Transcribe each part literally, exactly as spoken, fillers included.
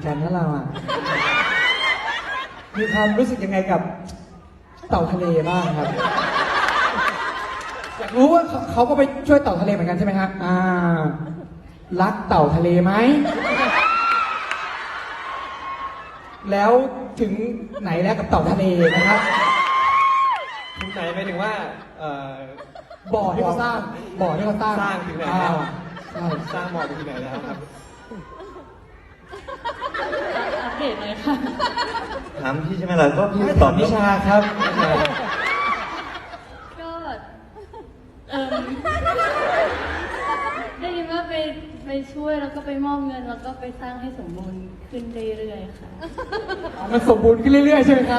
กันนะเราอ่ะมีความรู้สึกยังไงกับเต่าทะเลบ้างครับอยากรู้ว่าเขาเขาก็ไปช่วยเต่าทะเลเหมือนกันใช่ไหมครับอ่ารักเต่าทะเลไหมแล้วถึงไหนแล้วกับเต่าทะเลนะครับถึงไหนหมายถึงว่าเอ่อบ่อที่เขาสร้างบ่อที่เขาสร้างสร้างถึงไหนแล้วอ่าใช่สร้างบ่อไปที่ไหนแล้วครับอัปเดตเลยค่ะถามพี่ใช่ไหมล่ะก็พี่ไม่ตตออบบ นินิชาชาครับก็เออได้ยินว่าไปไปช่วยแล้วก็ไปมอบเงินแล้วก็ไปสร้างให้สมบูรณ์ขึ้นเรื่อยๆค่ะมันสมบูรณ์ขึ้นเรื่อยๆใช่ไหมครับ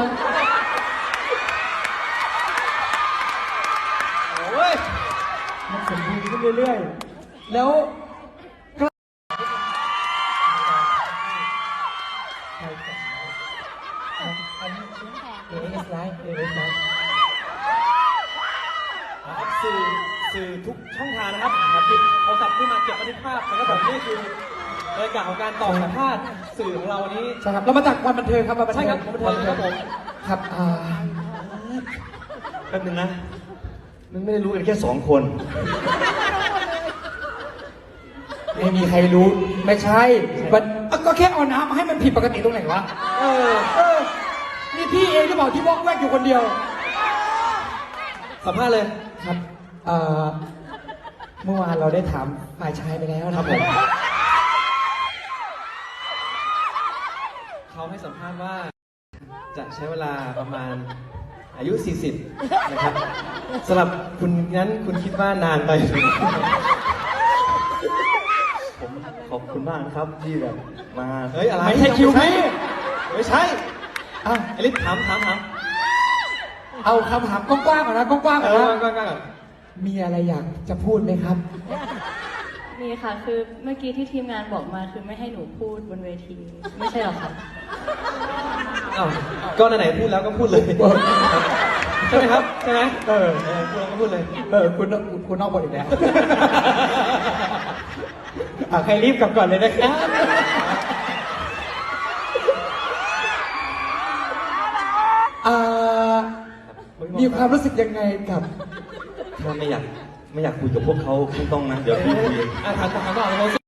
โอ้ยมันสมบูรณ์ขึ้นเรื่อยๆแล้วก็อันนี้เอเอสไลฟ์เอเอสไลฟ์นะครับสื่อสื่อทุกช่องทางนะครับครับหยิบโทรศัพท์ขึ้นมาเก็บบันทึกภาพนะครับผมนี่คือบรรยากาศของการตอบสัมภาษณ์สื่อของเราวันนี้ใช่ครับเรามาจากวันบันเทิงครับวันบันเทิงใช่ครับวันบันเทิงครับผมครับอ่าแป๊บนึงนะมันไม่ได้รู้กันแค่สองคนไม่มีใครรู้ไม่ใช่มันก็แค่เอาน้ำมาให้มันผิดปกติตรงไหนวะเออเออนี่พี่เองหรือเปล่าที่วอกแวกอยู่คนเดียวสัมภาษณ์เลยครับเอ่อเมื่อวานเราได้ถามฝ่ายชายไปแล้วนะครับผมเขาให้สัมภาษณ์ว่า จะใช้เวลาประมาณอายุ สี่สิบ นะครับสำหรับคุณนั้นคุณคิดว่านานไปผมขอบคุณมากนะครับที่แบบมาเฮ้ยอะไรไม่ใช่คิวพี่ไม่ใช่อ่ะไอริสถามถามถามเอาคำถามกว้างๆก่อนนะกว้างๆเอก่อนอนะก่อนก่อนก่อนมีอะไรอยากจะพูดไหมครับมีค่ะคือเมื่อกี้ที่ทีมงานบอกมาคือไม่ให้หนูพูดบนเวที ไม่ใช่หรอคะอ้าวก็ไหนๆพูดแล้วก็พูดเลย ใช่ไหมครับ ใช่ไหมเออเออพูดแล้วก็พูดเลยเออคุณคุณนอกบทอีกแล้ว อ่ะใครรีบกลับก่อนเลยนะครับอ่ามีความรู้สึกยังไงกับถ้าไม่อยากไม่อยากคุยกับพวกเขาไม่ต้องนะ เดี๋ยวพี่คุยอ่ะถามถามถามต่อเลย